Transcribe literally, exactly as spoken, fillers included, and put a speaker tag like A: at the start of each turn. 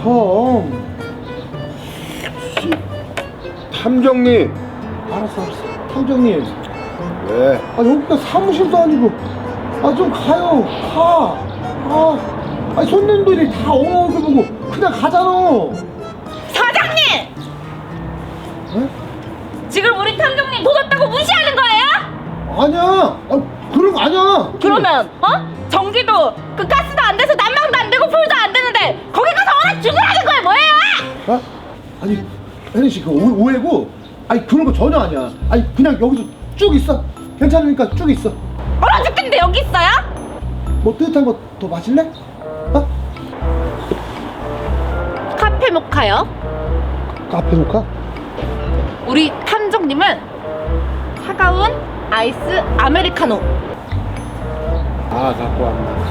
A: 형.
B: 탐정님.
A: 알았어 알았어. 탐정님.
B: 왜?
A: 아 여기가 사무실도 아니고. 아 좀 가요. 가. 아, 아 손님들이 다 얼굴 보고 그냥 가잖아.
C: 사장님!
A: 에?
C: 지금 우리 탐정님 도졌다고 무시하는 거예요?
A: 아니야. 아 그런 거 아니야.
C: 그러면 어? 전기도 그 가스도 안 돼서 난방도 안 되고 불도 안 되는데 거기 가서 얼어 죽으라는 거예요 뭐예요?
A: 어? 아니 혜린 씨 그 오해고. 아니 그런 거 전혀 아니야. 아니 그냥 여기서 쭉 있어. 괜찮으니까 쭉 있어.
C: 얼어 죽겠는데 여기 있어요?
A: 뭐 뜨뜻한 거 더 마실래? 어?
C: 카페 모카요.
A: 카페 모카?
C: 우리 탐정님은 차가운 아이스 아메리카노.
A: 아 갖고 왔네.